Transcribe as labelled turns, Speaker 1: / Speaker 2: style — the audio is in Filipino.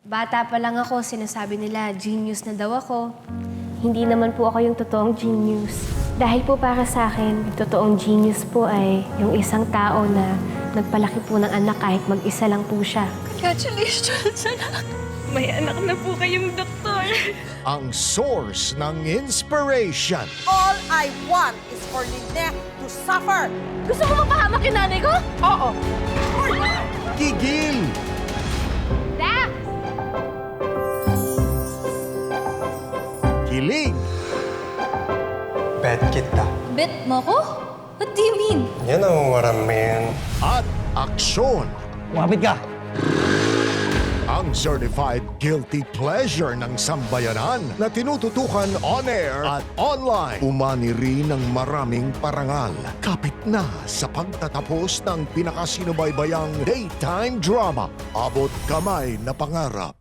Speaker 1: Bata pa lang ako, sinasabi nila, genius na daw ako. Hindi naman po ako yung totoong genius. Dahil po para sa akin, yung totoong genius po ay yung isang tao na nagpalaki po ng anak kahit mag-isa lang po siya.
Speaker 2: Congratulations, anak. May anak na po kayong doktor.
Speaker 3: Ang source ng inspiration.
Speaker 4: All I want is for Lynette to suffer.
Speaker 2: Gusto mo mapahamak yung nanay ko?
Speaker 4: Oo.
Speaker 3: Gigil.
Speaker 1: Dax!
Speaker 3: Kilig.
Speaker 5: Bet kita.
Speaker 2: Bet mo ko? What do you mean?
Speaker 5: You know what I mean.
Speaker 3: At aksyon.
Speaker 5: Kumapit ka!
Speaker 3: Ang certified guilty pleasure ng sambayanan na tinututukan on air at online. Umani rin ng maraming parangal. Kapit na sa pagtatapos ng pinakasinubaybayang daytime drama. Abot kamay na pangarap.